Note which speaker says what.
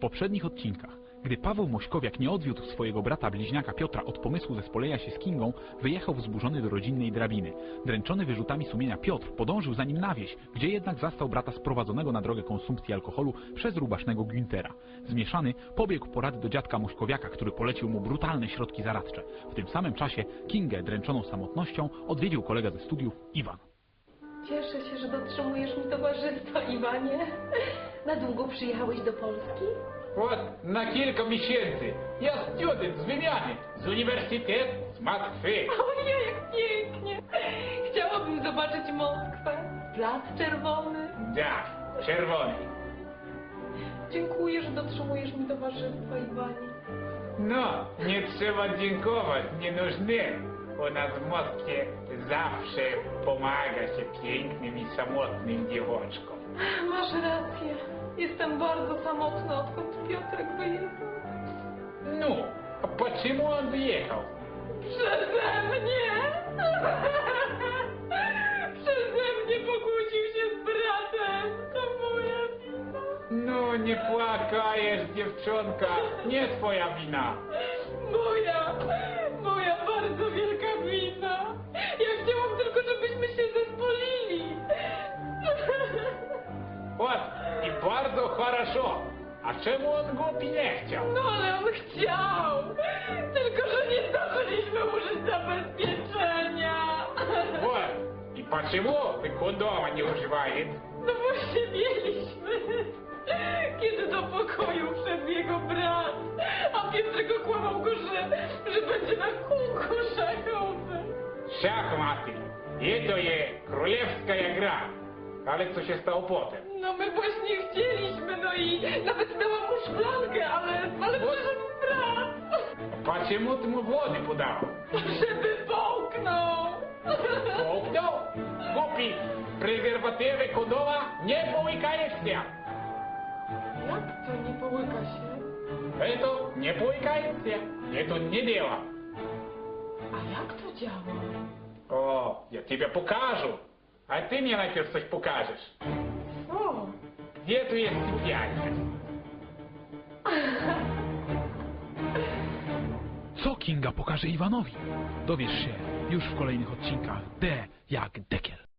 Speaker 1: poprzednich odcinkach, gdy Paweł Mośkowiak nie odwiódł swojego brata bliźniaka Piotra od pomysłu zespolenia się z Kingą, wyjechał wzburzony do rodzinnej drabiny. Dręczony wyrzutami sumienia Piotr podążył za nim na wieś, gdzie jednak zastał brata sprowadzonego na drogę konsumpcji alkoholu przez rubasznego Güntera. Zmieszany pobiegł po rady do dziadka Mośkowiaka, który polecił mu brutalne środki zaradcze. W tym samym czasie Kingę, dręczoną samotnością, odwiedził kolega ze studiów Iwan.
Speaker 2: Cieszę się, że dotrzymujesz mi towarzystwa, Iwanie. Na długo przyjechałeś do Polski?
Speaker 3: Вот, на kilka miesięcy. Ja student z wymiany, z uniwersytetu, z Moskwy.
Speaker 2: Ojej, jak pięknie! Chciałabym zobaczyć Moskwę. Plac Czerwony.
Speaker 3: Da, czerwony.
Speaker 2: Dziękuję, że dotrzymujesz mi towarzystwa, Iwanie.
Speaker 3: No, nie trzeba dziękować, nie нужны. U nas w Moskwie zawsze pomaga się pięknym i samotnym dziewuszkom.
Speaker 2: Masz rację. Jestem bardzo samotna, odkąd Piotrek wyjechał.
Speaker 3: No, a почему on wyjechał?
Speaker 2: Przeze mnie! Przeze mnie pokłócił się z bratem. To moja wina.
Speaker 3: No, nie płakajesz, dziewczonka, nie twoja wina.
Speaker 2: Moja bardzo wielka wina. Ja chciałam tylko, żebyśmy się zespolili.
Speaker 3: Вот, i bardzo хорошо. A czemu on głupi nie chciał?
Speaker 2: No ale on chciał. Tylko, że nie zdążyliśmy użyć zabezpieczenia.
Speaker 3: Вот, и почему ты кондома не używaешь?
Speaker 2: No właśnie mieliśmy. Kiedy do pokoju wszedł jego brat, a Piotrek okłamał go, że będzie na kółku szachowym.
Speaker 3: Шахматы. Это je królewska gra. Ale co się stało potem?
Speaker 2: No my właśnie chcieliśmy, no i nawet dałam mu szklankę, ale przyszedł brat.
Speaker 3: Почему ty mu wody podał?
Speaker 2: Żeby połknął.
Speaker 3: Połknął? Głupi, prezerwatywy kondoma nie połykają się.
Speaker 2: Jak to nie połyka się?
Speaker 3: Это не поłykает się. Это не дело.
Speaker 2: A jak to działa?
Speaker 3: О, я тебе покажу. А ты мне najpierw coś pokażesz.
Speaker 2: Co?
Speaker 3: Gdzie tu jest sypialnia?
Speaker 1: Co Kinga pokaże Iwanowi? Dowiesz się już w kolejnych odcinkach D jak Dekiel.